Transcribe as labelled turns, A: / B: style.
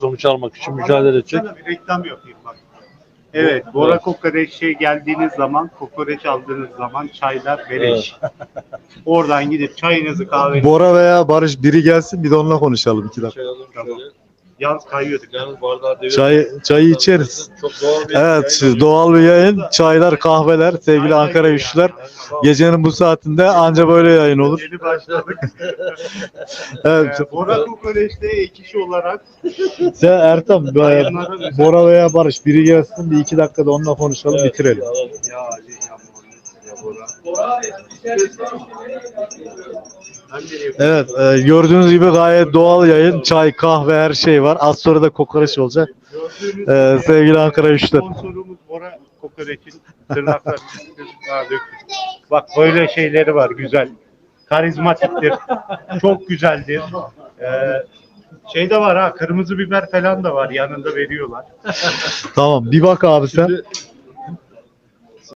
A: sonuç almak için mücadele edecek.
B: Sana bir reklam yapayım bak. Evet, Bora Kokoreç'e geldiğiniz zaman, kokoreç aldığınız zaman çaylar beleş. Oradan gidip çayınızı kahvenizi...
C: Bora veya Barış biri gelsin bir de onunla konuşalım 2 dakika.
B: Tamam. Yalnız kayıyorduk.
A: Yalnız bardağı
C: Çayı içeriz.
A: Çok doğal bir
C: Evet,
A: yayın
C: doğal bir yayın. Çaylar, kahveler, sevgili Ankara güçlüler. Gecenin bu saatinde anca böyle yayın olur.
B: Yeni başladık.
C: Evet.
B: Bora Kokoreç'te ek iş olarak
C: Sen Ertan, Bora veya Barış biri gelsin bir 2 dakikada onunla konuşalım bitirelim.
B: ya Ali ya Bora.
C: Evet, gördüğünüz gibi gayet doğal yayın. Çay, kahve her şey var. Az sonra da kokoreç olacak. Sevgili Ankara güçlüler.
B: Sponsorumuz Bora Kokoreç'in tırnaklar. Bak böyle şeyleri var güzel. Karizmatiktir. Çok güzeldir. Şey de var ha, kırmızı biber falan da var yanında veriyorlar.
C: Tamam, bir bak abi sen.